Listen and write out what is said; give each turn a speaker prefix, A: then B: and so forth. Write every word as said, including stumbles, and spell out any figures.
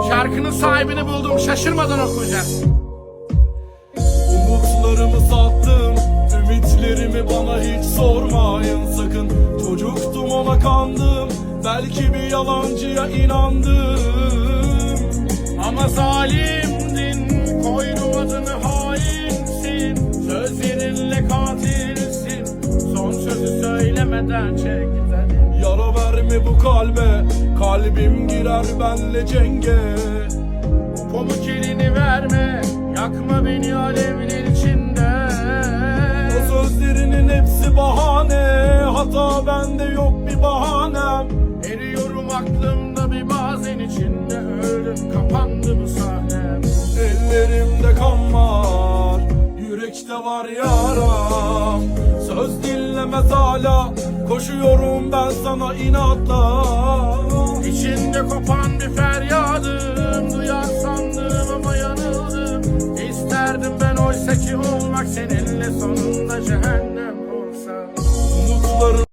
A: Şarkının sahibini buldum, şaşırmadan okuyacağız.
B: Umutlarımı sattım, ümitlerimi bana hiç sormayın sakın. Çocuktum ona kandım, belki bir yalancıya inandım.
A: Ama zalimdin, koydum adını hainsin. Sözlerinle katilsin, son sözü söylemeden çek gidelim.
B: Yara verme bu kalbe, kalbim girer benle cenge.
A: Pamuk elini verme, yakma beni alevler içinde.
B: O sözlerinin hepsi bahane, hata bende yok bir bahanem.
A: Eriyorum aklımda bir bazen içinde, öldüm kapandı bu sahnem.
B: Ellerimde kan var, yürekte var yaram. Söz dinlemez hala, koşuyorum ben sana inatla.
A: İçinde kopan bir feryadım, duyar sandım ama yanıldım. İsterdim ben oysa ki olmak seninle sonunda